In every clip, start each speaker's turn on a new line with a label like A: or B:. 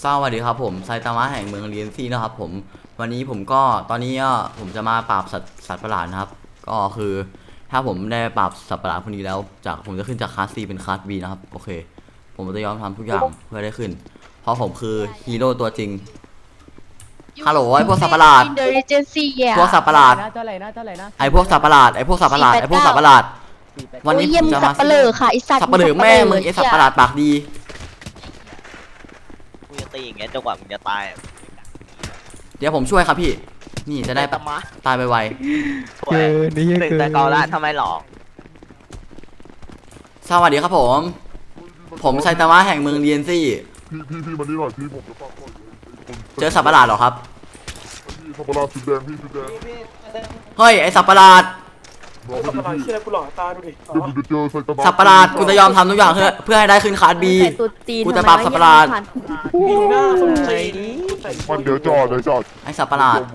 A: สวัสดีครับผมไซตามะแห่งเมืองเรียนซี่นะครับผมวันนี้ผมก็ตอนนี้ผมจะมาปราบสัตว์ประหลาดนะครับก็คือถ้าผมได้ปราบสัตว์ประหลาดพวกนี้แล้วจากผมจะขึ้นจากคลาส C เป็นคลาส B นะครับโอเคผมจะยอมทำทุกอย่างเพื่อได้ขึ้นเพราะผมคือฮีโร่ตัวจริงฮัลโหลไอพวกสัตว์ประหลาดพวกสัตว์ประหลาดไอพวกสัตว์ประหลาดไอพวกสัตว์ประหลาดไอพวกสัตว์ประหลาดวันนี้ผมจะมาสัตว์ประหลาดค่ะไอสัตว์ประหลาดแม่มึงไอสัตว์ประหลาดปากดี
B: กูจะตีอย่างเงี้ยจนกว่ามึงจะตาย
A: เดี๋ยวผมช่วยครับพี่นี่จะได้ตายไว
B: ๆเกินนี่เกินแต่กอละทำไมหรอ
A: สวัสดีครับผมไซตามะแห่งเมืองเรียนซี่
C: พี่มานี่หน่อยพี่ผมจะฟังก่อน
A: เจอสัตว์ประหลาดหรอครับ
C: พี่สัตว์ประหลาดสีแดงพี่สีแดง
A: เฮ้ยไอสัตว์ประหลาด
C: สัตว์ประหลาดเชื่อกูหลอกตาดูดิเดี๋ยวกูจะเจอไซตามะ
A: สัตว์ประหลาดกูจะยอมทำทุกอย่างเพื่อให้ได้ขึ้นคลาส B กูจะปราบสัตว์ประหลาด
C: มันเดี๋ยวจอด
A: ไอสัตว์ประหลาด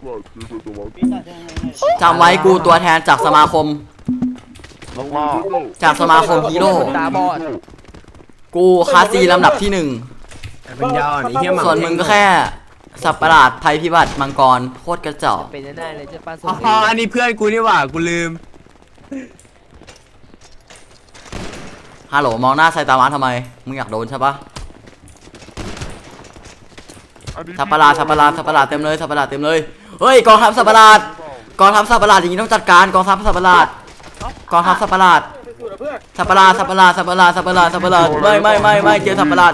A: จำไว้กูตัวแทนจากสมาคมจากสมาคมฮีโร่กูคลาส C ลำดับที่1ส่วนมึงก็แค่สัตว์ประหลาดภัยพิบัติมังกรโคตรกระจอก
B: เป็นได้เลยจะป้าสุ
D: ดอันนี้เพื่อนกูนี่หว่ากูลืม
A: ฮัลโหลมองหน้าไซตามะทำไมมึงอยากโดนใช่ปะสัตว์ประหลาดเต็มเลยสัตว์ประหลาดเต็มเลยเฮ้ยกองทัพสัตว์ประหลาดอย่างนี้ต้องจัดการกองทัพสัตว์ประหลาดสัตว์ประหลาดไม่เจอสัตว์ประหลาด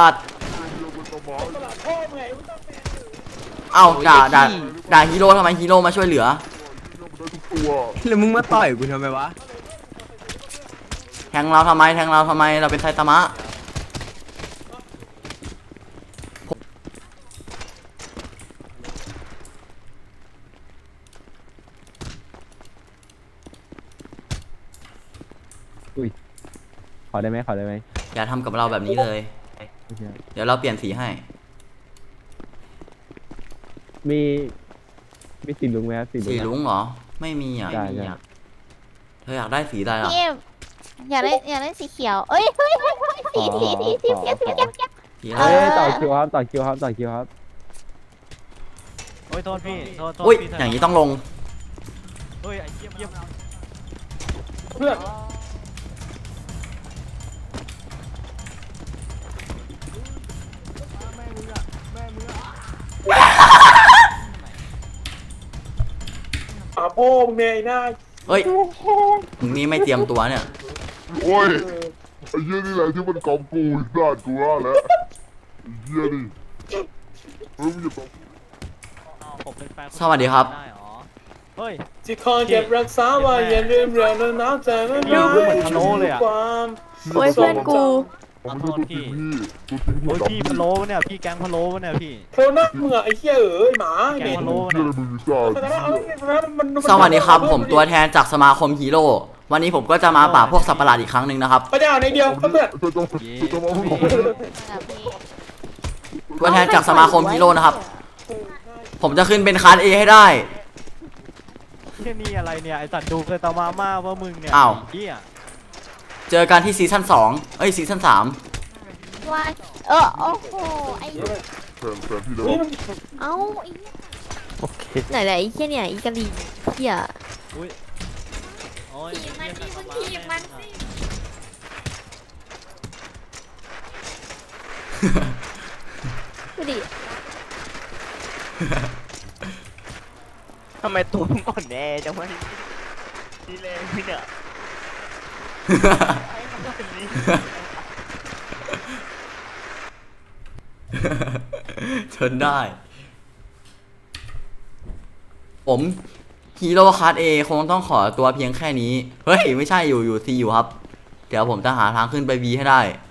A: เอ้าด่าฮีโร่ทำไมฮีโร่มาช่วยเหลือ
D: แล้วมึงมาต่อยกูทำไมวะ
A: แทงเราทำไมเราเป็นไซตามะ
E: ขอได้ไหม
A: อย่าทำกับเราแบบนี้เลยเดี๋ยวเราเปลี่ยนสีให้
E: มีสีลุงไหมครับ
A: สีลุงเหรอไม่มีอ่ะเธออยากได้สีอะไรล่ะ
F: อยากได้สีเขียวเอ้ยสี
E: ต่อคิวครับ
D: โอ้ยโทษพี่โทษ
A: อุ้ยอย่างนี้ต้องลง
D: เฮ้ยไอ้เยี่ยม
C: เพื่อนพ่อมึงเนี่ยหน้า
A: เฮ้ยมึงนี่ไม่เตรียมตัวเนี่ย
C: โอ้ยไอ้เหี้ยนี่แหละที่มันกองกูอีกด้านกูว่าแล้วไอ้เหี้ยนี่มึงอย่าบอก
A: สวัสดีครับ
D: เฮ้ย
G: ที่คอยเก็บรักษาไว้อย่าลืมเรื่องนั้นน้ำใจนั้น
D: เหมือนทะโลเลยอ่ะ
F: โอ้ยเพื่อนกู
D: โทษพี่โอ้ยพี่พะโล้เนี่ยพี่แกงพะโล้เนี่ยพี่
G: โคน่ามึงอะไอ้เหี้ยหมา
D: แกงพะโล้
C: เนี่ย
A: สวัสดีครับผมตัวแทนจากสมาคมฮีโร่วันนี้ผมก็จะมาปราบพวกสัตว์ประหลาดอีกครั้งหนึ่งนะครับ
G: พระเจ้าในเดียวเพื่อน
A: ตัวแทนจากสมาคมฮีโร่นะครับผมจะขึ้นเป็นคลาส A ให้ได้
D: แค่นี้อะไรเนี่ยไอสัตว์ดูเคยตามาม่าว่ามึงเนี่ย
A: เจอกันที่ซีซั่น2ซีซั่น3
F: ว่าโอ้โหไอ้เอ้าไหนไอ้เหี้ยเนี่ยอีกะลีเหี้ยทีมันสิดูดิ
B: ทำไมตัวมึงอ่อนแอจังวะนี่เลยพี่เนี่ย
A: ชนได้ผมฮีโร่คลาส A คงต้องขอตัวเพียงแค่นี้เฮ้ยไม่ใช่อยู่ C อยู่ครับเดี๋ยวผมจะหาทางขึ้นไป B ให้ได้